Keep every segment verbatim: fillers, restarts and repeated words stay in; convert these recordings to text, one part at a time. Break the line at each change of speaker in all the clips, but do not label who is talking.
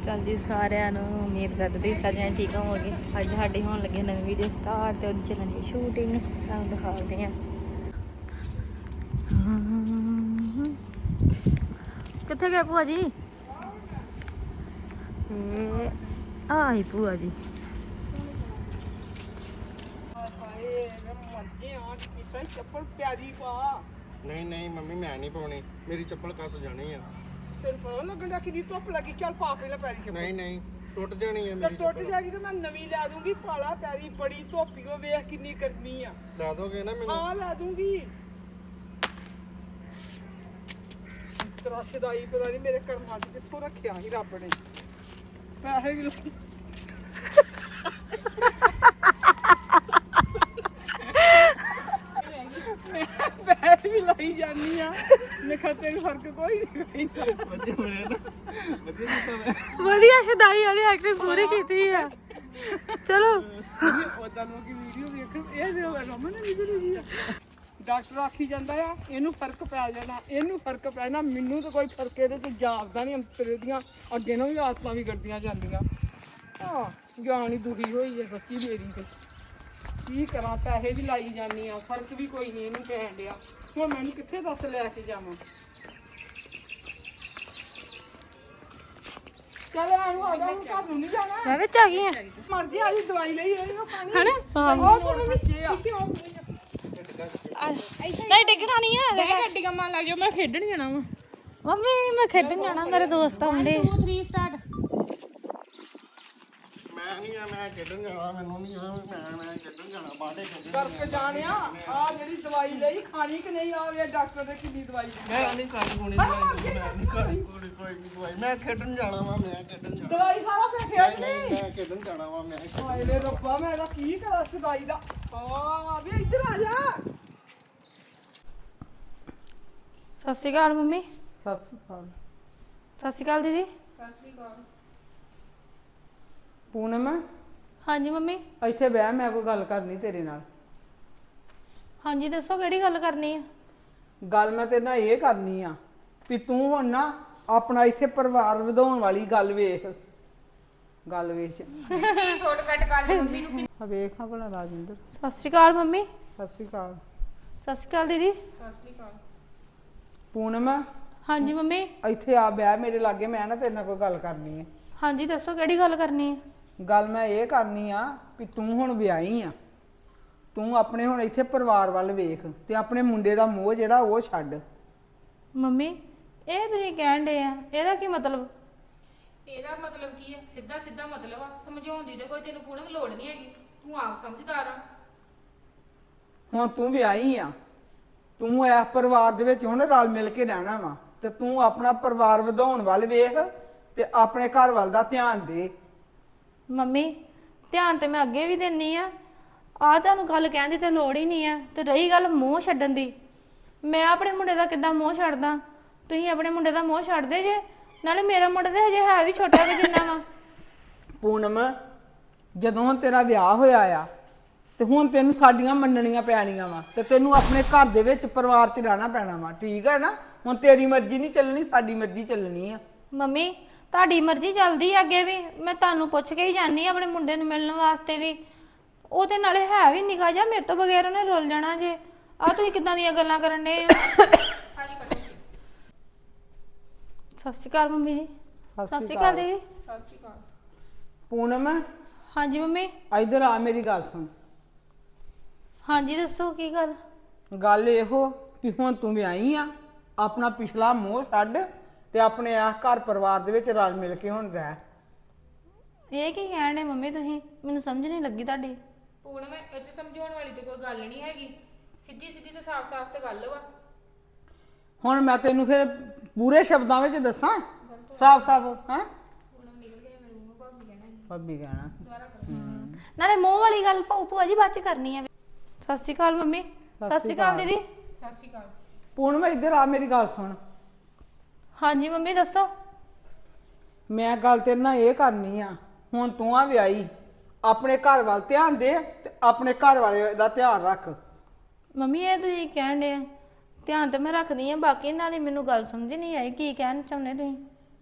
ਅਕਾਲ ਜੀ ਸਾਰਿਆਂ ਨੂੰ। ਉਮੀਦ ਕਰਦੀ ਸਾਰਿਆਂ ਠੀਕ ਹੋਵੋਗੇ। ਅੱਜ ਸਾਡੀ ਹੋਣ ਲੱਗੀ ਨਵੀਂ ਵੀਡੀਓ ਸਟਾਰਟ ਤੇ ਉਹਦੀ ਚੱਲਣੀ ਸ਼ੂਟਿੰਗ, ਤੁਹਾਨੂੰ ਦਿਖਾਉਂਦੇ ਹਾਂ। ਕਿੱਥੇ ਗਏ ਭੂਆ ਜੀ? ਇਹ ਆਈ ਭੂਆ ਜੀ।
ਚੱਪਲ ਪਿਆਰੀ ਪਾ।
ਨਹੀਂ ਨਹੀਂ ਮੰਮੀ ਮੈਂ ਨਹੀਂ ਪਾਉਣੀ, ਮੇਰੀ ਚੱਪਲ ਕੱਸ ਜਾਣੀ ਆ।
ਤੈਨੂੰ ਪਤਾ ਲੱਗਣ ਦਾ ਕਿੰਨੀ ਧੁੱਪ ਲੱਗੀ। ਚੱਲ ਪਾ ਪਹਿਲਾਂ ਪੈਰੀ ਚੱਪਲ।
ਨਹੀਂ ਨਹੀਂ ਟੁੱਟ ਜਾਣੀ ਆ
ਤੇ
ਮੇਰੀ
ਟੁੱਟ
ਚੱਪਲ।
ਜਾਏਗੀ ਤੇ ਮੈਂ ਨਵੀਂ ਲੈ ਦੂੰਗੀ। ਪਾਲਾ ਪੈਰੀ, ਬੜੀ ਧੁੱਪੀ ਓ, ਵੇਖ ਕਿੰਨੀ ਗਰਮੀ ਆ।
ਲਾ ਦੋਗੇ ਨਾ ਮੈਨੂੰ?
ਹਾਂ ਲੈ ਦੂੰਗੀ। ਤੇਰਾ ਸਦਾਈ ਪਤਾ ਨਹੀਂ ਮੇਰੇ ਕਰਮਾਂ 'ਚ ਕਿੱਥੋਂ ਰੱਖਿਆ ਸੀ ਰੱਬ ਨੇ। ਪੈਸੇ ਵੀ ਲੱਗੇ। ਪੈਸੇ ਵੀ ਲਾਈ ਜਾਨੀ ਆ। ਨਖਤੇ ਨੂੰ ਫਰਕ ਕੋਈ ਨਹੀਂ ਪੈਂਦਾ।
ਵਧੀਆ ਬਣਿਆ ਨਾ, ਵਧੀਆ ਕੀਤਾ ਮੈਂ।
ਵਧੀਆ ਸ਼ਦਾਈ ਵਾਲੀ ਐਕਟਿੰਗ ਪੂਰੀ ਕੀਤੀ ਆ। ਚਲੋ
ਉਦਾਂ ਲੋਕੀ ਵੀਡੀਓ ਵੇਖਣ ਇਹ ਜੋ ਰਮਨ ਨੇ ਵੀਡੀਓ ਦੀ ਆ। ਡਾਕਟਰ ਆਖੀ ਜਾਂਦਾ ਆ ਇਹਨੂੰ ਫਰਕ ਪੈ ਜਾਣਾ, ਇਹਨੂੰ ਫਰਕ ਪੈਣਾ। ਮੈਨੂੰ ਤਾਂ ਕੋਈ ਫਰਕ ਇਹਦੇ ਤੇ ਜਾਪਦਾ ਨਹੀਂ। ਅੰਤਰੇ ਦੀਆਂ ਅੱਗੇ ਨੂੰ ਵੀ ਆਦਤਾਂ ਵੀ ਕਰਦੀਆਂ ਜਾਂਦੀਆਂ। ਆ ਜਾਨ ਹੀ ਦੁਖੀ ਹੋਈ ਹੈ ਬੱਚੀ ਮੇਰੀ ਤੇ। ਕੀ ਕਰਾਂ, ਪੈਸੇ ਵੀ ਲਾਈ ਜਾਂਦੀ ਆ, ਫਰਕ ਵੀ ਕੋਈ ਨਹੀਂ ਇਹਨੂੰ ਪੈਣ ਡਿਆ। ਹੁਣ ਮੈਨੂੰ ਕਿੱਥੇ ਦੱਸ ਲੈ ਕੇ ਜਾਵਾਂ? ਚੱਲ ਆਨੂੰ ਆ ਜਾ, ਹੁਣ ਘਰ ਨੂੰ ਨਹੀਂ ਜਾਣਾ।
ਮੈਂ ਵਿੱਚ ਆ ਗਈ ਆ।
ਮਰਜੀ ਆ ਜੀ, ਦਵਾਈ ਲਈ ਇਹ ਪਾਣੀ
ਹਨਾ?
ਉਹ ਕੋਲ ਬੱਚੇ ਆ।
ਨਹੀਂ ਟਿਕਟਾਂ ਨਹੀਂ ਆ।
ਮੈਂ ਗੱਡੀ ਕੰਮਾਂ ਲੱਗ ਜਾਓ, ਮੈਂ ਖੇਡਣ ਜਾਣਾ ਵਾ।
ਮੰਮੀ ਮੈਂ ਖੇਡਣ ਜਾਣਾ, ਮੇਰੇ ਦੋਸਤ ਆਉਂਦੇ।
Two three start.
ਮੈਂ ਨਹੀਂ ਆ, ਮੈਂ ਖੇਡਣ ਜਾਣਾ। ਮੈਨੂੰ ਨਹੀਂ ਆ, ਮੈਂ ਮੈਂ ਖੇਡਣ ਜਾਣਾ, ਬਾਹਰੇ ਖੇਡਣ
ਕਰਕੇ ਜਾਣਿਆ। ਆ ਜਿਹੜੀ ਦਵਾਈ ਲਈ ਖਾਣੀ ਕਿ ਨਹੀਂ? ਆ ਵੇ ਡਾਕਟਰ ਨੇ ਕਿੰਨੀ ਦਵਾਈ ਦਿੱਤੀ।
ਮੈਂ ਨਹੀਂ ਖਾਣੀ ਕੋਣੀ ਦਵਾਈ, ਮੈਂ ਨਹੀਂ ਖਾਣੀ ਕੋਣੀ ਕੋਈ ਨਹੀਂ ਦਵਾਈ। ਮੈਂ ਖੇਡਣ ਜਾਣਾ ਵਾ, ਮੈਂ ਖੇਡਣ ਜਾਣਾ।
ਦਵਾਈ ਖਾ ਲਾ ਫੇਰ ਖੇਡ
ਨਹੀਂ
ਲਈ।
ਮੈਂ ਖੇਡਣ ਜਾਣਾ ਵਾ, ਮੈਂ
ਹਾਏ ਵੇ ਰੱਬਾ, ਮੈਂ ਇਹਦਾ ਕੀ ਕਰਾਂ ਇਸ ਦਵਾਈ ਦਾ? ਆ ਵੇ ਇੱਧਰ ਆ ਜਾ।
ਸਤਿ ਸ਼੍ਰੀ ਅਕਾਲ ਮੰਮੀ।
ਸਤਿ ਸ਼੍ਰੀ ਅਕਾਲ।
ਸਤਿ ਸ਼੍ਰੀ ਅਕਾਲ ਦੀਦੀ।
ਸਤਿ ਸ੍ਰੀ ਅਕਾਲ।
ਪੂਨਮ
ਹਾਂਜੀ ਮੰਮੀ।
ਇੱਥੇ ਬਹਿ, ਮੈਂ ਕੋਈ ਗੱਲ ਕਰਨੀ ਤੇਰੇ ਨਾਲ।
ਹਾਂਜੀ ਦੱਸੋ ਕਿਹੜੀ ਗੱਲ ਕਰਨੀ ਆ?
ਗੱਲ ਮੈਂ ਤੇਰੇ ਨਾਲ ਇਹ ਕਰਨੀ ਆ ਵੀ ਤੂੰ ਹੁਣ ਨਾ ਆਪਣਾ ਇੱਥੇ ਪਰਿਵਾਰ ਵਧਾਉਣ ਵਾਲੀ ਗੱਲ ਵੇਖ। ਗੱਲ ਵੇਖ
ਸ਼ਾਰਟਕਟ ਕਰ ਲਈ ਮੰਮੀ ਨੂੰ।
ਆ ਵੇਖ, ਆ ਭਲਾ ਰਾਜਿੰਦਰ।
ਸਤਿ ਸ਼੍ਰੀ ਅਕਾਲ ਮੰਮੀ।
ਸਤਿ ਸ਼੍ਰੀ ਅਕਾਲ।
ਸਤਿ ਸ਼੍ਰੀ ਅਕਾਲ ਦੀਦੀ।
ਸਤਿ ਸ੍ਰੀ ਅਕਾਲ।
ਪੂਨਮ
ਹਾਂਜੀ ਮੰਮੀ।
ਇੱਥੇ ਆ ਬਹਿ ਮੇਰੇ ਲਾਗੇ, ਮੈਂ ਨਾ ਤੇਰੇ ਨਾਲ ਕੋਈ ਗੱਲ ਕਰਨੀ ਹੈ।
ਹਾਂਜੀ ਦੱਸੋ ਕਿਹੜੀ ਗੱਲ ਕਰਨੀ ਆ?
ਗੱਲ ਮੈਂ ਇਹ ਕਰਨੀ ਆ ਵੀ ਤੂੰ ਹੁਣ ਵਿਆਹੀ ਆ। ਤੂੰ ਆਪਣੇ ਹੁਣ ਇੱਥੇ ਪਰਿਵਾਰ ਵੱਲ ਵੇਖ ਤੇ ਆਪਣੇ ਮੁੰਡੇ ਦਾ ਮੋਹ ਜਿਹੜਾ ਉਹ ਛੱਡ।
ਮੰਮੀ ਇਹ ਤੁਸੀਂ ਕਹਿਣ ਦੇ ਆ, ਇਹਦਾ ਕੀ ਮਤਲਬ?
ਇਹਦਾ ਮਤਲਬ ਕੀ ਹੈ? ਸਿੱਧਾ ਸਿੱਧਾ ਮਤਲਬ ਆ। ਸਮਝਾਉਣ ਦੀ ਤੇ ਕੋਈ ਤੈਨੂੰ ਪੂਰਨ ਲੋੜ ਨਹੀਂ ਹੈਗੀ। ਤੂੰ ਆਪ ਸਮਝਦਾਰ ਆ।
ਹੁਣ ਤੂੰ ਵਿਆਹੀ ਆ, ਤੂੰ ਇਸ ਪਰਿਵਾਰ ਦੇ ਵਿੱਚ ਹੁਣ ਰਲ ਮਿਲ ਕੇ ਰਹਿਣਾ ਵਾ ਤੇ ਤੂੰ ਆਪਣਾ ਪਰਿਵਾਰ ਵਧਾਉਣ ਵੱਲ ਵੇਖ ਤੇ ਆਪਣੇ ਘਰ ਵੱਲ ਦਾ ਧਿਆਨ ਦੇ।
ਮੰਮੀ ਧਿਆਨ ਤੇ ਮੈਂ ਅੱਗੇ ਵੀ ਦਿੰਨੀ ਆ। ਆ ਤੁਹਾਨੂੰ ਗੱਲ ਕਹਿਣ ਦੀ ਤੇ ਲੋੜ ਹੀ ਨਹੀਂ ਆ। ਤੇ ਰਹੀ ਗੱਲ ਮੋਹ ਛੱਡਣ ਦੀ, ਮੈਂ ਆਪਣੇ ਮੁੰਡੇ ਦਾ ਕਿੱਦਾਂ ਮੋਹ ਛੱਡਦਾ? ਤੁਸੀਂ ਆਪਣੇ ਮੁੰਡੇ ਦਾ ਮੋਹ ਛੱਡਦੇ ਜੇ। ਨਾਲੇ ਮੇਰਾ ਮੁੰਡਾ ਤੇ ਹਜੇ ਹੈ ਵੀ ਛੋਟਾ ਕਿ ਜਿੰਨਾ ਵਾ।
ਪੂਨਮ ਜਦੋਂ ਹੁਣ ਤੇਰਾ ਵਿਆਹ ਹੋਇਆ ਆ ਤੇ ਹੁਣ ਤੈਨੂੰ ਸਾਡੀਆਂ ਮੰਨਣੀਆਂ ਪੈਣੀਆਂ ਵਾ ਤੇ ਤੈਨੂੰ ਆਪਣੇ ਘਰ ਦੇ ਵਿੱਚ ਪਰਿਵਾਰ 'ਚ ਰਹਿਣਾ ਪੈਣਾ ਵਾ। ਠੀਕ ਹੈ ਨਾ? ਹੁਣ ਤੇਰੀ ਮਰਜ਼ੀ ਨਹੀਂ ਚੱਲਣੀ, ਸਾਡੀ ਮਰਜ਼ੀ ਚੱਲਣੀ ਆ।
ਮੰਮੀ ਤੁਹਾਡੀ ਮਰਜ਼ੀ ਚੱਲਦੀ ਆ ਅੱਗੇ ਵੀ। ਮੈਂ ਤੁਹਾਨੂੰ ਪੁੱਛ ਕੇ ਹੀ ਜਾਨੀ ਆਪਣੇ ਮੁੰਡੇ ਨੂੰ ਮਿਲਣ ਵਾਸਤੇ ਵੀ। ਉਹ ਤੇ ਨਾਲੇ ਹੈ ਵੀ ਨਿਕਾ ਜਾ, ਮੇਰੇ ਤੋਂ ਬਗੈਰ ਉਹਨੇ ਰੁੱਲ ਜਾਣਾ ਜੇ। ਆ ਤੁਸੀਂ ਕਿੱਦਾਂ ਦੀਆਂ ਗੱਲਾਂ ਕਰਨ ਦੇ ਆ?
ਹਾਂਜੀ ਕੱਟੋ।
ਸਤਿ ਸ਼੍ਰੀ ਅਕਾਲ ਮੰਮੀ ਜੀ। ਸਤਿ ਸ਼੍ਰੀ ਅਕਾਲ ਦੀਦੀ।
ਸਤਿ ਸ੍ਰੀ ਅਕਾਲ।
ਪੂਨਮ
ਹਾਂਜੀ ਮੰਮੀ।
ਇੱਧਰ ਆ, ਮੇਰੀ ਗੱਲ ਸੁਣ।
ਹਾਂਜੀ ਦੱਸੋ ਕੀ ਗੱਲ?
ਗੱਲ ਇਹੋ ਵੀ ਹੁਣ ਤੂੰ ਵਿਆਹੀ ਆ, ਆਪਣਾ ਪਿਛਲਾ ਮੋਹ ਛੱਡ ਤੇ ਆਪਣੇ ਆ ਘਰ ਪਰਿਵਾਰ ਦੇ ਵਿੱਚ ਰਲ ਮਿਲ ਕੇ ਹੁਣ ਰਹਿ।
ਇਹ ਕੀ ਕਹਿਣ ਦੇ ਮੰਮੀ ਤੁਸੀਂ? ਮੈਨੂੰ ਸਮਝ ਨਹੀਂ ਲੱਗੀ ਤੁਹਾਡੀ।
ਪੂਰਨ ਮੈਂ ਇਹ 'ਚ ਸਮਝਾਉਣ ਵਾਲੀ ਤੇ ਕੋਈ ਗੱਲ ਨਹੀਂ ਹੈਗੀ। ਸਿੱਧੀ ਸਿੱਧੀ ਤੇ ਸਾਫ਼ ਸਾਫ਼ ਤੇ ਗੱਲ ਵਾ।
ਹੁਣ ਮੈਂ ਤੈਨੂੰ ਫਿਰ ਪੂਰੇ ਸ਼ਬਦਾਂ ਵਿੱਚ ਦੱਸਾਂ, ਸਾਫ਼ ਸਾਫ਼। ਹਾਂ
ਪੂਰਨ ਨਿਕਲ ਗਿਆ ਮੇਰੇ ਮੂੰਹੋਂ। ਭਾਬੀ ਕਹਿਣਾ ਸੀ।
ਭਾਬੀ ਕਹਿਣਾ।
ਦੁਬਾਰਾ ਕਰੋ।
ਨਾਲੇ ਮੋਹ ਵਾਲੀ ਗੱਲ ਭਾਊ ਭੂਆ ਜੀ ਬਾਅਦ ਚ ਕਰਨੀ ਆ। ਸਤਿ ਸ਼੍ਰੀ ਅਕਾਲ ਮੰਮੀ। ਸਤਿ ਸ਼੍ਰੀ ਅਕਾਲ ਦੀਦੀ।
ਸਤਿ ਸ੍ਰੀ ਅਕਾਲ।
ਪੂਨਮ ਇੱਧਰ ਆ, ਮੇਰੀ ਗੱਲ ਸੁਣ।
ਹਾਂਜੀ ਮੰਮੀ ਦੱਸੋ।
ਮੈਂ ਗੱਲ ਤੇਰੇ ਨਾਲ ਇਹ ਕਰਨੀ ਆ, ਹੁਣ ਤੂੰ ਆ ਵਿਆਹੀ, ਆਪਣੇ ਘਰ ਵੱਲ ਧਿਆਨ ਦੇ ਤੇ ਆਪਣੇ ਘਰ ਵਾਲੇ ਦਾ ਧਿਆਨ ਰੱਖ।
ਮੰਮੀ ਇਹ ਤੁਸੀਂ ਕਹਿਣ ਦੇ ਆ, ਧਿਆਨ ਤੇ ਮੈਂ ਰੱਖਦੀ ਆ, ਬਾਕੀ ਨਾਲੇ ਮੈਨੂੰ ਗੱਲ ਸਮਝ ਨਹੀਂ ਆਈ ਕੀ ਕਹਿਣਾ ਚਾਹੁੰਦੇ ਤੁਸੀਂ।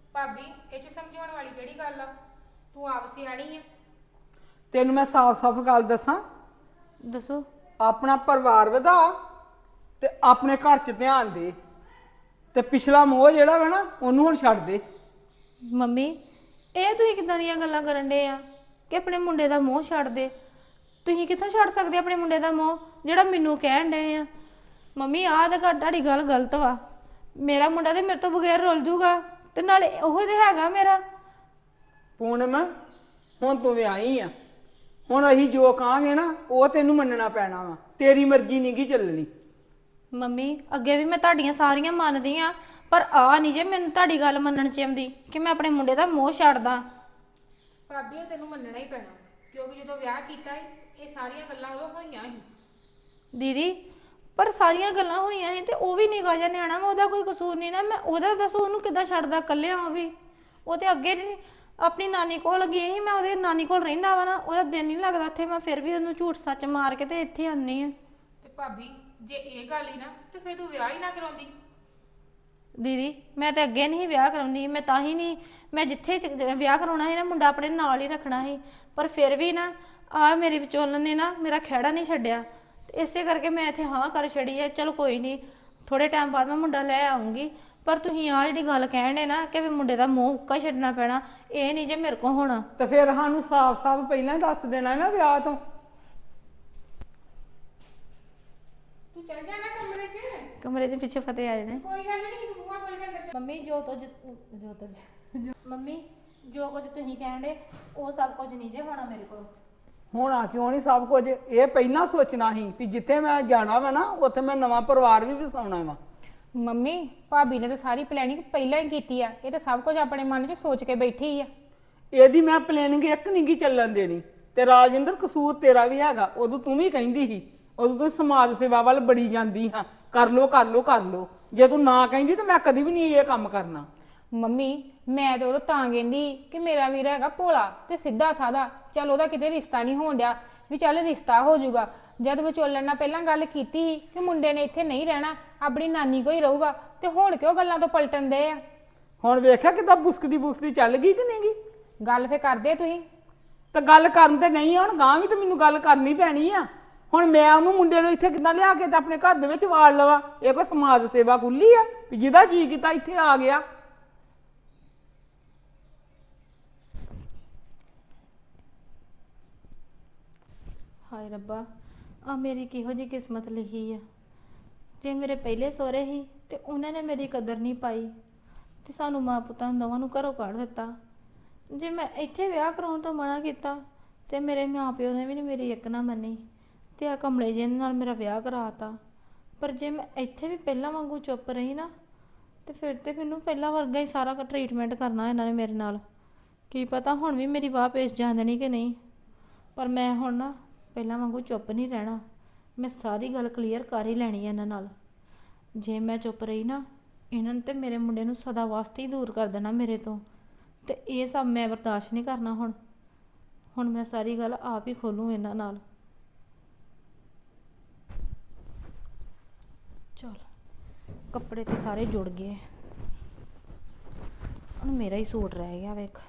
ਭਾਬੀ ਇਹ ਚ ਸਮਝਾਉਣ ਵਾਲੀ ਕਿਹੜੀ ਗੱਲ ਆ? ਤੂੰ ਆਪ ਸਿਆਣੀ ਆ।
ਤੈਨੂੰ ਮੈਂ ਸਾਫ਼-ਸਾਫ਼ ਗੱਲ ਦੱਸਾਂ,
ਦੱਸੋ।
ਆਪਣਾ ਪਰਿਵਾਰ ਵਧਾ ਤੇ ਆਪਣੇ ਘਰ 'ਚ ਧਿਆਨ ਦੇ ਤੇ ਪਿਛਲਾ ਮੋਹ ਜਿਹੜਾ ਵਾ ਨਾ ਉਹਨੂੰ ਹੁਣ ਛੱਡ ਦੇ।
ਮੰਮੀ ਇਹ ਤੁਸੀਂ ਕਿੱਦਾਂ ਦੀਆਂ ਗੱਲਾਂ ਕਰਨ ਡੇ ਆ ਕਿ ਆਪਣੇ ਮੁੰਡੇ ਦਾ ਮੋਹ ਛੱਡ ਦੇ? ਤੁਸੀਂ ਕਿੱਥੋਂ ਛੱਡ ਸਕਦੇ ਆਪਣੇ ਮੁੰਡੇ ਦਾ ਮੋਹ ਜਿਹੜਾ ਮੈਨੂੰ ਕਹਿਣ ਡੇ ਆ? ਮੰਮੀ ਆਹ ਤਾਂ ਘੱਟ ਤੁਹਾਡੀ ਗੱਲ ਗਲਤ ਵਾ। ਮੇਰਾ ਮੁੰਡਾ ਤੇ ਮੇਰੇ ਤੋਂ ਬਗੈਰ ਰੁੱਲ ਜੂਗਾ ਤੇ ਨਾਲੇ ਉਹ ਤੇ ਹੈਗਾ ਮੇਰਾ।
ਪੂਨਮ ਹੁਣ ਤੂੰ ਵਿਆਹੀ ਆ, ਹੁਣ ਅਸੀਂ ਜੋ ਕਹਾਂਗੇ ਨਾ ਉਹ ਤੈਨੂੰ ਮੰਨਣਾ ਪੈਣਾ ਵਾ, ਤੇਰੀ ਮਰਜ਼ੀ ਨਹੀਂ ਗੀ ਚੱਲਣੀ।
ਮੰਮੀ ਅੱਗੇ ਵੀ ਮੈਂ ਤੁਹਾਡੀਆਂ ਸਾਰੀਆਂ ਮੰਨਦੀ ਆ, ਪਰ ਆ ਨਹੀਂ ਜੇ ਮੈਨੂੰ ਤੁਹਾਡੀ ਗੱਲ ਮੰਨਣ ਚ ਆਉਂਦੀ ਕਿ ਮੈਂ ਆਪਣੇ ਮੁੰਡੇ ਦਾ ਮੋਹ ਛੱਡਦਾ।
ਭਾਬੀ ਇਹ ਤੈਨੂੰ ਮੰਨਣਾ ਹੀ ਪੈਣਾ, ਕਿਉਂਕਿ ਜਦੋਂ ਵਿਆਹ ਕੀਤਾ ਸੀ ਇਹ ਸਾਰੀਆਂ ਗੱਲਾਂ ਉਦੋਂ ਹੋਈਆਂ ਸੀ।
ਦੀਦੀ ਪਰ ਸਾਰੀਆਂ ਗੱਲਾਂ ਹੋਈਆਂ ਸੀ ਤੇ ਉਹ ਵੀ ਨਿੱਕਾ ਜਿਹਾ ਨਿਆਣਾ ਵਾ, ਉਹਦਾ ਕੋਈ ਕਸੂਰ ਨਹੀਂ ਨਾ। ਮੈਂ ਉਹਦਾ ਦੱਸੋ ਉਹਨੂੰ ਕਿੱਦਾਂ ਛੱਡਦਾ ਇਕੱਲਿਆਂ? ਉਹ ਵੀ ਉਹ ਤੇ ਅੱਗੇ ਨੀ- ਆਪਣੀ ਨਾਨੀ ਕੋਲ ਗਈ ਸੀ, ਮੈਂ ਉਹਦੇ ਨਾਨੀ ਕੋਲ ਰਹਿੰਦਾ ਵਾ ਨਾ, ਉਹਦਾ ਦਿਨ ਨਹੀਂ ਲੱਗਦਾ ਇੱਥੇ। ਮੈਂ ਫਿਰ ਵੀ ਉਹਨੂੰ ਝੂਠ ਸੱਚ ਮਾਰ ਕੇ ਤੇ ਇੱਥੇ ਆਉਂਦੀ ਆ।
ਤੇ ਭਾਬੀ ਜੇ ਇਹ ਗੱਲ ਹੀ ਨਾ ਤੇ ਫਿਰ ਤੂੰ ਵਿਆਹ ਹੀ ਨਾ ਕਰਾਉਂਦੀ।
ਦੀਦੀ ਮੈਂ ਤੇ ਅੱਗੇ ਨਹੀਂ ਵਿਆਹ ਕਰਾਉਂਦੀ, ਮੈਂ ਤਾਂ ਹੀ ਨਹੀਂ, ਮੈਂ ਜਿੱਥੇ ਚ- ਵਿਆਹ ਕਰਾਉਣਾ ਸੀ ਨਾ ਮੁੰਡਾ ਆਪਣੇ ਨਾਲ ਹੀ ਰੱਖਣਾ ਸੀ, ਪਰ ਫਿਰ ਵੀ ਨਾ ਆ ਮੇਰੀ ਵਿਚੋਲਨ ਨੇ ਨਾ ਮੇਰਾ ਖਹਿੜਾ ਨਹੀਂ ਛੱਡਿਆ ਤੇ ਇਸੇ ਕਰਕੇ ਮੈਂ ਇੱਥੇ ਹਾਂ ਕਰ ਛੜੀ ਹੈ। ਚਲੋ ਕੋਈ ਨਹੀਂ, ਥੋੜੇ ਟਾਈਮ ਬਾਅਦ ਮੈਂ ਮੁੰਡਾ ਲੈ ਆਉਂਗੀ, ਪਰ ਤੁਸੀਂ ਆ ਜਿਹੜੀ ਗੱਲ ਕਹਿਣ ਦੇ ਨਾ ਕਿ ਵੀ ਮੁੰਡੇ ਦਾ ਮੂੰਹ ਉੱਕਾ ਹੀ ਛੱਡਣਾ ਪੈਣਾ, ਇਹ ਨਹੀਂ ਜੇ ਮੇਰੇ ਕੋਲ ਹੋਣਾ।
ਤੇ ਫਿਰ ਸਾਨੂੰ ਸਾਫ਼-ਸਾਫ਼ ਪਹਿਲਾਂ ਹੀ ਦੱਸ ਦੇਣਾ ਨਾ ਵਿਆਹ ਤੋਂ।
ਤੂੰ ਚੱਲ ਜਾ ਨਾ ਕਮਰੇ 'ਚ।
ਕਮਰੇ 'ਚ ਪਿੱਛੇ ਫਤਿਹ ਆ ਜਾਣੇ।
ਕੋਈ ਗੱਲ ਨਹੀਂ, ਤੂੰ ਮੂੰਹਾਂ ਖੋਲ ਕੇ ਅੰਦਰ ਚੱਲ।
ਮੰਮੀ ਜੋ ਤੋਂ ਜੋ ਤੋਂ ਮੰਮੀ ਜੋ ਕੁਝ ਤੁਸੀਂ ਕਹਿਣ ਦੇ ਉਹ ਸਭ ਕੁਝ ਨਹੀਂ ਜੇ ਹੋਣਾ ਮੇਰੇ ਕੋਲ।
ਹੋਣਾ ਕਿਉਂ ਨਹੀਂ ਸਭ ਕੁਝ? ਇਹ ਪਹਿਲਾਂ ਸੋਚਣਾ ਸੀ ਵੀ ਜਿੱਥੇ ਮੈਂ ਜਾਣਾ ਵਾ ਨਾ ਉੱਥੇ ਮੈਂ ਨਵਾਂ ਪਰਿਵਾਰ ਵੀ ਵਸਾਉਣਾ ਵਾ।
ਮੰਮੀ ਭਾਬੀ ਨੇ ਤਾਂ ਸਾਰੀ ਪਲੈਨਿੰਗ ਪਹਿਲਾਂ ਹੀ ਕੀਤੀ ਆ, ਇਹ ਤਾਂ ਸਭ ਕੁਝ ਆਪਣੇ ਮਨ 'ਚ ਸੋਚ ਕੇ ਬੈਠੀ ਆ।
ਇਹਦੀ ਮੈਂ ਪਲੈਨਿੰਗ ਇੱਕ ਨਹੀਂ ਗੀ ਚੱਲਣ ਦੇਣੀ। ਤੇ ਰਾਜਵਿੰਦਰ ਕਸੂਰ ਤੇਰਾ ਵੀ ਹੈਗਾ, ਉਦੋਂ ਤੂੰ ਵੀ ਕਹਿੰਦੀ ਸੀ, ਉਦੋਂ ਤੂੰ ਸਮਾਜ ਸੇਵਾ ਵੱਲ ਬੜੀ ਜਾਂਦੀ ਹਾਂ, ਕਰ ਲੋ ਕਰ ਲੋ ਕਰ ਲੋ। ਜੇ ਤੂੰ ਨਾ ਕਹਿੰਦੀ ਤਾਂ ਮੈਂ ਕਦੀ ਵੀ ਨਹੀਂ ਇਹ ਕੰਮ ਕਰਨਾ।
ਮੰਮੀ ਮੈਂ ਤਾਂ ਉਹ ਤਾਂ ਕਹਿੰਦੀ ਕਿ ਮੇਰਾ ਵੀਰ ਹੈਗਾ ਭੋਲਾ ਤੇ ਸਿੱਧਾ ਸਾਦਾ, ਚੱਲ ਉਹਦਾ ਕਿਤੇ ਰਿਸ਼ਤਾ ਨਹੀਂ ਹੋਣ ਡਿਆ, ਵੀ ਚੱਲ ਰਿਸ਼ਤਾ ਹੋ ਜਾਊਗਾ। ਜਦ ਵਿਚੋਲਣ ਨਾਲ ਪਹਿਲਾਂ ਗੱਲ ਕੀਤੀ ਸੀ ਕਿ ਮੁੰਡੇ ਨੇ ਇੱਥੇ ਨਹੀਂ ਰਹਿਣਾ, ਆਪਣੀ ਨਾਨੀ ਕੋਲ ਹੀ ਰਹੂਗਾ, ਤੇ ਹੁਣ ਕਿਉਂ ਗੱਲਾਂ ਤੋਂ ਪਲਟਣ ਦੇ ਆ?
ਹੁਣ ਵੇਖਿਆ ਕਿਦਾਂ ਬੁਸਕਦੀ ਬੁਸਕਦੀ ਚੱਲ ਗਈ ਕਿ ਨਹੀਂ ਗਈ?
ਗੱਲ ਫੇ ਕਰਦੇ ਤੁਸੀਂ।
ਤਾਂ ਗੱਲ ਕਰਨ ਤੇ ਨਹੀਂ ਆ, ਹੁਣ ਗਾਂ ਵੀ ਤਾਂ ਮੈਨੂੰ ਗੱਲ ਕਰਨੀ ਪੈਣੀ ਆ। ਹੁਣ ਮੈਂ ਉਹਨੂੰ ਮੁੰਡੇ ਨੂੰ ਇੱਥੇ ਕਿੱਦਾਂ ਲਿਆ ਕੇ ਤੇ ਆਪਣੇ ਘਰ ਦੇ ਵਿੱਚ ਵਾੜ ਲਵਾਂ? ਇਹ ਕੋਈ ਸਮਾਜ ਸੇਵਾ ਖੁੱਲੀ ਆ ਵੀ ਜਿਹਦਾ ਜੀ ਕੀਤਾ ਇੱਥੇ ਆ ਗਿਆ?
ਹਾਏ ਰੱਬਾ ਆ ਮੇਰੀ ਕਿਹੋ ਜੀ ਕਿਸਮਤ ਲਿਖੀ ਆ। ਜੇ ਮੇਰੇ ਪਹਿਲੇ ਸਹੁਰੇ ਸੀ ਤੇ ਉਹਨਾਂ ਨੇ ਮੇਰੀ ਕਦਰ ਨਹੀਂ ਪਾਈ ਤੇ ਸਾਨੂੰ ਮਾਂ ਪੁੱਤਾਂ ਦੋਵਾਂ ਨੂੰ ਘਰੋਂ ਕੱਢ ਦਿੱਤਾ। ਜੇ ਮੈਂ ਇੱਥੇ ਵਿਆਹ ਕਰਾਉਣ ਤੋਂ ਮਨਾ ਕੀਤਾ ਤੇ ਮੇਰੇ ਮਾਂ ਪਿਓ ਨੇ ਵੀ ਨਹੀਂ ਮੇਰੀ ਇੱਕ ਨਾ ਮੰਨੀ ਤੇ ਆ ਕਮਲੇ ਜਿਹੇ ਨਾਲ ਮੇਰਾ ਵਿਆਹ ਕਰਾਤਾ। ਪਰ ਜੇ ਮੈਂ ਇੱਥੇ ਵੀ ਪਹਿਲਾਂ ਵਾਂਗੂ ਚੁੱਪ ਰਹੀ ਨਾ ਤੇ ਫਿਰ ਤੇ ਮੈਨੂੰ ਪਹਿਲਾਂ ਵਰਗਾ ਹੀ ਸਾਰਾ ਟਰੀਟਮੈਂਟ ਕਰਨਾ ਇਹਨਾਂ ਨੇ ਮੇਰੇ ਨਾਲ। ਕੀ ਪਤਾ ਹੁਣ ਵੀ ਮੇਰੀ ਵਾਹ ਪੇਸ਼ ਜਾਣ ਦੇਣੀ ਕਿ ਨਹੀਂ, ਪਰ ਮੈਂ ਹੁਣ ਨਾ ਪਹਿਲਾਂ ਵਾਂਗੂ ਚੁੱਪ ਨਹੀਂ ਰਹਿਣਾ। ਮੈਂ ਸਾਰੀ ਗੱਲ ਕਲੀਅਰ ਕਰ ਹੀ ਲੈਣੀ ਹੈ ਇਹਨਾਂ ਨਾਲ। ਜੇ ਮੈਂ ਚੁੱਪ ਰਹੀ ਨਾ ਇਹਨਾਂ ਨੇ ਤੇ ਮੇਰੇ ਮੁੰਡੇ ਨੂੰ ਸਦਾ ਵਾਸਤੇ ਹੀ ਦੂਰ ਕਰ ਦੇਣਾ ਮੇਰੇ ਤੋਂ, ਤੇ ਇਹ ਸਭ ਮੈਂ ਬਰਦਾਸ਼ਤ ਨਹੀਂ ਕਰਨਾ। ਹੁਣ ਹੁਣ ਮੈਂ ਸਾਰੀ ਗੱਲ ਆਪ ਹੀ ਖੋਲੂੰ ਇਹਨਾਂ ਨਾਲ। ਚਲ ਕੱਪੜੇ ਤੇ ਸਾਰੇ ਜੁੜ ਗਏ, ਹੁਣ ਮੇਰਾ ਹੀ ਸੂਟ ਰਹਿ ਗਿਆ ਵੇਖ।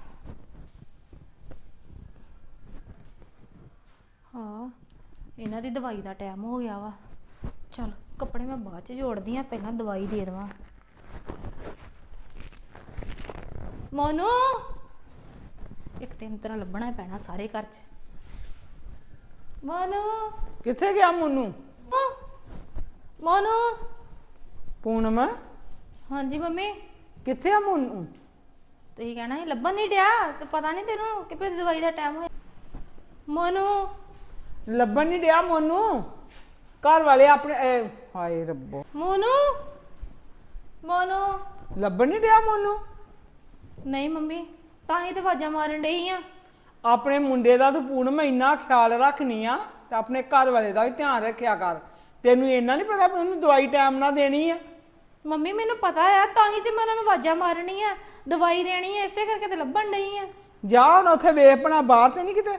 ਹਾਂ ਇਹਨਾਂ ਦੀ ਦਵਾਈ ਦਾ ਟਾਈਮ ਹੋ ਗਿਆ ਵਾ। ਚਲ ਕੱਪੜੇ ਮੈਂ ਬਾਅਦ ਚ ਜੋੜਦੀ ਆ, ਪਹਿਲਾਂ ਦਵਾਈ ਦੇ ਦੇਵਾਂ। ਮੋਨੂ ਇੱਕ ਤੇ ਤਰ੍ਹਾਂ ਲੱਭਣਾ ਪੈਣਾ ਸਾਰੇ ਘਰ ਚ। ਮੋਨੂ
ਕਿੱਥੇ ਗਿਆ ਮੋਨੂ?
ਮੋਨੂ
ਪੂਨਮ
ਹਾਂਜੀ ਮੰਮੀ।
ਕਿੱਥੇ ਆ ਮੋਨੂ?
ਤੁਸੀਂ ਕਹਿਣਾ ਸੀ ਲੱਭਣ ਨਹੀਂ ਡਿਆ ਤੇ ਪਤਾ ਨਹੀਂ ਤੈਨੂੰ ਕਿ ਭਈ ਦਵਾਈ ਦਾ ਟਾਈਮ ਹੋਇਆ। ਮੋਨੂ
ਲੱਭਣ ਨਹੀਂ ਡਿਆ ਮੋਨੂ? ਘਰ ਵਾਲੇ ਆਪਣੇ ਇਹ, ਹਾਏ ਰੱਬੋ,
ਮੋਨੂ ਮੋਨੂ
ਲੱਭਣ ਨਹੀਂ ਡਿਆ ਮੋਨੂ?
ਨਹੀਂ ਮੰਮੀ ਤਾਂ ਹੀ ਤੇ ਆਵਾਜ਼ਾਂ ਮਾਰਨ ਡਈ ਆ।
ਆਪਣੇ ਮੁੰਡੇ ਦਾ ਤੂੰ ਪੂਨਮ ਇੰਨਾ ਖਿਆਲ ਰੱਖਣੀ ਆ ਤੇ ਆਪਣੇ ਘਰ ਵਾਲੇ ਦਾ ਵੀ ਧਿਆਨ ਰੱਖਿਆ ਕਰ। ਤੈਨੂੰ ਇੰਨਾ ਨਹੀਂ ਪਤਾ ਵੀ ਉਹਨੂੰ ਦਵਾਈ ਟਾਈਮ ਨਾਲ ਦੇਣੀ ਆ?
ਮੰਮੀ ਮੈਨੂੰ ਪਤਾ ਆ, ਤਾਂ ਹੀ ਤੇ ਮੈਂ ਉਹਨਾਂ ਨੂੰ ਆਵਾਜ਼ਾਂ ਮਾਰਨੀ ਆ, ਦਵਾਈ ਦੇਣੀ ਆ, ਇਸੇ ਕਰਕੇ ਤੇ ਲੱਭਣ ਡਈ ਆ।
ਜਾ ਹੁਣ ਉੱਥੇ ਵੇਖ ਪਣਾ, ਬਾਹਰ ਤੇ ਨਹੀਂ ਕਿਤੇ?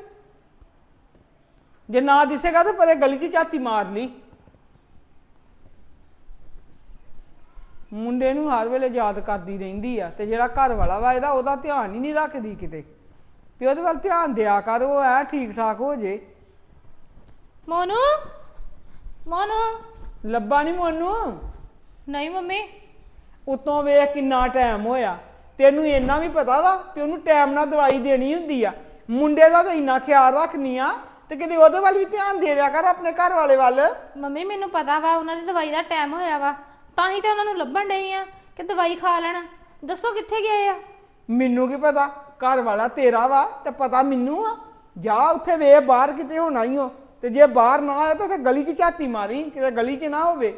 ਜੇ ਨਾ ਦਿਸੇਗਾ ਤਾਂ ਪਰੇ ਗਲੀ 'ਚ ਝਾਤੀ ਮਾਰ ਲਈ। ਮੁੰਡੇ ਨੂੰ ਹਰ ਵੇਲੇ ਯਾਦ ਕਰਦੀ ਰਹਿੰਦੀ ਆ ਤੇ ਜਿਹੜਾ ਘਰ ਵਾਲਾ ਵਾ ਇਹਦਾ ਉਹਦਾ ਧਿਆਨ ਹੀ ਨਹੀਂ ਰੱਖਦੀ ਕਿਤੇ ਵੀ ਉਹਦੇ ਵੱਲ ਧਿਆਨ ਦਿਆ ਕਰ ਉਹ ਐ ਠੀਕ ਠਾਕ ਹੋ ਜੇ।
ਮੋਨੂ ਮੋਨੂ
ਲੱਭਾ ਨਹੀਂ ਮੋਨੂੰ।
ਨਹੀਂ ਮੰਮੀ
ਉਤੋਂ ਵੇਖ ਕਿੰਨਾ ਟਾਈਮ ਹੋਇਆ, ਤੈਨੂੰ ਇੰਨਾ ਵੀ ਪਤਾ ਵਾ ਕਿ ਉਹਨੂੰ ਟਾਈਮ ਨਾਲ ਦਵਾਈ ਦੇਣੀ ਹੁੰਦੀ ਆ। ਮੁੰਡੇ ਦਾ ਤਾਂ ਇੰਨਾ ਖਿਆਲ ਰੱਖਨੀ ਆ ਤੇ ਕਿਤੇ ਉਹਦੇ ਵੱਲ ਵੀ ਧਿਆਨ ਦੇ ਦਿਆ ਕਰ, ਆਪਣੇ ਘਰ ਵਾਲੇ ਵੱਲ।
ਮੰਮੀ ਮੈਨੂੰ ਪਤਾ ਵਾ ਉਹਨਾਂ ਦੀ ਦਵਾਈ ਦਾ ਟਾਈਮ ਹੋਇਆ ਵਾ, ਤਾਂ ਹੀ ਤਾਂ ਉਹਨਾਂ ਨੂੰ ਲੱਭਣ ਡਈ ਆ ਕਿ ਦਵਾਈ ਖਾ ਲੈਣ। ਦੱਸੋ ਕਿੱਥੇ ਗਏ ਆ?
ਮੈਨੂੰ ਕੀ ਪਤਾ, ਘਰ ਵਾਲਾ ਤੇਰਾ ਵਾ ਤੇ ਪਤਾ ਮੈਨੂੰ ਆ। ਜਾ ਉੱਥੇ ਵੇ ਬਾਹਰ ਕਿਤੇ ਹੋਣਾ ਹੀ ਹੋ, ਤੇ ਜੇ ਬਾਹਰ ਨਾ ਆਇਆ ਤਾਂ ਉੱਥੇ ਗਲੀ 'ਚ ਝਾਤੀ ਮਾਰੀ, ਕਿਤੇ ਗਲੀ 'ਚ ਨਾ ਹੋਵੇ।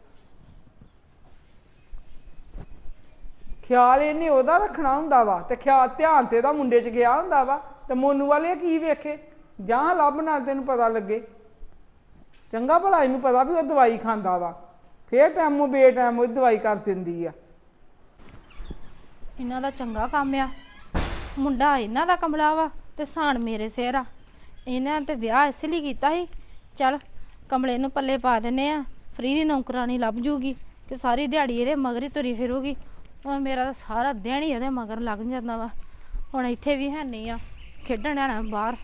ਖਿਆਲ ਇਹਨੇ ਉਹਦਾ ਰੱਖਣਾ ਹੁੰਦਾ ਵਾ ਤੇ ਖਿਆਲ ਧਿਆਨ ਤੇ ਇਹਦਾ ਮੁੰਡੇ 'ਚ ਗਿਆ ਹੁੰਦਾ ਵਾ, ਤੇ ਮੋਨੂ ਵਾਲੇ ਕੀ ਵੇਖੇ। ਜਾਂ ਲੱਭ ਨਾਲ ਤੈਨੂੰ ਪਤਾ ਲੱਗੇ। ਚੰਗਾ ਭਲਾ ਇਹਨੂੰ ਪਤਾ ਵੀ ਉਹ ਦਵਾਈ ਖਾਂਦਾ ਵਾ, ਫੇਰ ਟਾਈਮੋਂ ਬੇ ਟਾਈਮ ਉਹ ਦਵਾਈ ਕਰ ਦਿੰਦੀ ਆ।
ਇਹਨਾਂ ਦਾ ਚੰਗਾ ਕੰਮ ਆ, ਮੁੰਡਾ ਇਹਨਾਂ ਦਾ ਕਮਲਾ ਵਾ ਤੇ ਸਾਨ ਮੇਰੇ ਸਿਰ ਆ। ਇਹਨਾਂ ਤੇ ਵਿਆਹ ਇਸ ਲਈ ਕੀਤਾ ਸੀ, ਚੱਲ ਕਮਲੇ ਨੂੰ ਪੱਲੇ ਪਾ ਦਿੰਨੇ ਆ, ਫਰੀ ਦੀ ਨੌਕਰਾਨੀ ਲੱਭ ਜੂਗੀ ਕਿ ਸਾਰੀ ਦਿਹਾੜੀ ਇਹਦੇ ਮਗਰ ਹੀ ਤੁਰੀ ਫਿਰੂਗੀ। ਹੁਣ ਮੇਰਾ ਤਾਂ ਸਾਰਾ ਦਿਨ ਹੀ ਇਹਦੇ ਮਗਰ ਲੱਗ ਜਾਂਦਾ ਵਾ। ਹੁਣ ਇੱਥੇ ਵੀ ਹੈ ਨਹੀਂ ਆ, ਖੇਡਣ ਆਣਾ ਬਾਹਰ।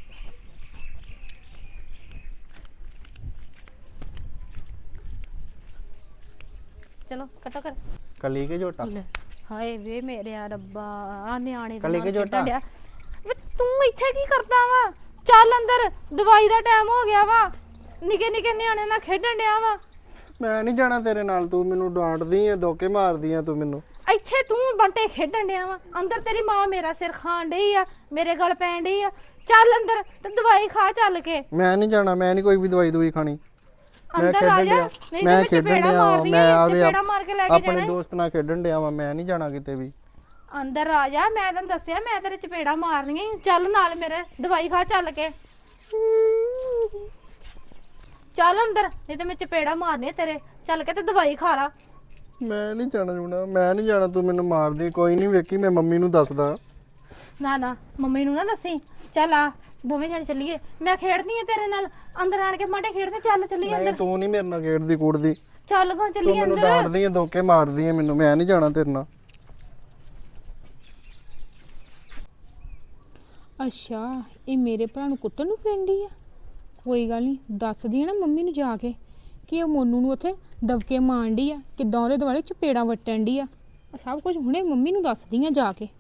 ਚਲੋ ਕੱਟੋ ਕਰ।
ਕਲੀ ਕੇ ਝੋਟਾ
ਲੈ, ਹਾਏ ਵੇ ਮੇਰੇ ਆ ਰੱਬਾ, ਆ ਨਿਆਣੇ ਦੇ
ਕੱਲੀ
ਨਾਲ
ਕੇ ਝੋਟਾ।
ਖੇਡਣ ਡਿਆ। ਵੇ ਤੂੰ ਇੱਥੇ ਕੀ ਕਰਦਾ ਵਾ? ਚੱਲ ਅੰਦਰ, ਦਵਾਈ ਦਾ ਟਾਈਮ ਹੋ ਗਿਆ ਵਾ। ਨਿੱਕੇ ਨਿੱਕੇ ਨਿਆਣੇ ਨਾਲ ਖੇਡਣ ਡਿਆ ਵਾ।
ਮੈਂ ਨਹੀਂ ਜਾਣਾ ਤੇਰੇ ਨਾਲ, ਤੂੰ ਮੈਨੂੰ ਡਾਂਟਦੀ ਆ, ਧੋਕੇ ਮਾਰਦੀ ਆ ਤੂੰ ਮੈਨੂੰ।
ਇੱਥੇ ਤੂੰ ਬੰਟੇ ਖੇਡਣ ਡਿਆ ਵਾ, ਅੰਦਰ ਤੇਰੀ ਮਾਂ ਮੇਰਾ ਸਿਰ ਖਾਣ ਡਈ ਆ, ਮੇਰੇ ਗਲ ਪੈਣ ਡਈ ਆ। ਚੱਲ ਅੰਦਰ ਤੇ ਦਵਾਈ ਖਾ ਚੱਲ ਕੇ।
ਮੈਂ ਨਹੀਂ ਜਾਣਾ, ਮੈਂ ਨਹੀਂ ਕੋਈ ਵੀ ਦਵਾਈ ਦਵਾਈ ਖਾਣੀ। ਮੈਂ
ਅੰਦਰ ਆ
ਖੇਡਣ
ਜਾ,
ਡਿਆ
ਨਹੀਂ
ਮੈਂ
ਤੇ
ਖੇਡਣ
ਚਪੇੜਾ
ਡਿਆ
ਮਾਰਦੀ
ਮੈਂ
ਆ,
ਆਵੇ
ਚਪੇੜਾ ਮਾਰ ਕੇ ਲੈ ਕੇ
ਆਪਣੇ
ਜਾਣਾ।
ਦੋਸਤ ਨਾਲ ਖੇਡਣ ਡਿਆ ਵਾਂ, ਮੈਂ ਨਹੀਂ ਜਾਣਾ ਕਿਤੇ ਵੀ।
ਅੰਦਰ ਆ ਜਾ, ਮੈਂ ਤੈਨੂੰ ਦੱਸਿਆ ਮੈਂ ਤੇਰੇ ਚਪੇੜਾ ਮਾਰਨੀਆਂ ਈ। ਚੱਲ ਨਾਲ ਮੇਰੇ, ਦਵਾਈ ਖਾ ਚੱਲ ਕੇ। ਚੱਲ ਅੰਦਰ, ਨਹੀਂ ਤੇ ਮੈਂ ਚਪੇੜਾ ਮਾਰਨੇ ਤੇਰੇ। ਚੱਲ ਕੇ ਤੇ ਦਵਾਈ ਖਾ ਲਾ।
ਮੈਂ ਨਹੀਂ ਜਾਣਾ ਜੁਣਾ, ਮੈਂ ਨਹੀਂ ਜਾਣਾ, ਤੂੰ ਮੈਨੂੰ ਮਾਰਦੀ। ਕੋਈ ਨਹੀਂ, ਵੇਖੀ ਮੈਂ ਮੰਮੀ ਨੂੰ ਦੱਸਦਾ।
ਨਾ ਨਾ ਮੰਮੀ ਨੂੰ ਨਾ ਦੱਸੀ। ਚੱਲ ਆ ਦੋਵੇਂ ਜਣੇ ਚੱਲੀਏ, ਮੈਂ ਖੇਡਦੀ ਆ ਤੇਰੇ ਨਾਲ। ਅੰਦਰ ਆਣ ਕੇ ਮਾਟੇ ਖੇਡਦੇ। ਚੱਲ ਚੱਲੀਏ
ਨਹੀਂ
ਅੰਦਰ।
ਤੂੰ ਨਹੀਂ ਮੇਰੇ ਨਾਲ ਖੇਡਦੀ ਕੂੜਦੀ,
ਚੱਲ ਗਾ
ਤੂੰ
ਚੱਲੀਏ
ਮੈਨੂੰ
ਅੰਦਰ।
ਡਾਂਟਦੀ ਆ, ਧੋਕੇ ਮਾਰਦੀ ਆ ਮੈਨੂੰ। ਮੈਂ ਨਹੀਂ ਜਾਣਾ ਤੇਰੇ ਨਾਲ।
ਅੱਛਾ, ਇਹ ਮੇਰੇ ਭਰਾ ਨੂੰ ਕੁੱਟਣ ਨੂੰ ਫਰੈਂਡੀ ਆ। ਕੋਈ ਗੱਲ ਨਹੀਂ, ਦੱਸਦੀ ਆ ਨਾ ਮੰਮੀ ਨੂੰ ਜਾ ਕੇ ਕਿ ਉਹ ਮੋਨੂ ਨੂੰ ਉੱਥੇ ਦਬਕੇ ਮਾਰਨ ਡਈ ਆ, ਕਿੱਦਾਂ ਉਹਦੇ ਦੁਆਲੇ ਚਪੇੜਾਂ ਵੱਟਣ ਡਈ ਆ। ਸਭ ਕੁਝ ਹੁਣੇ ਮੰਮੀ ਨੂੰ ਦੱਸਦੀ ਆ ਜਾ ਕੇ।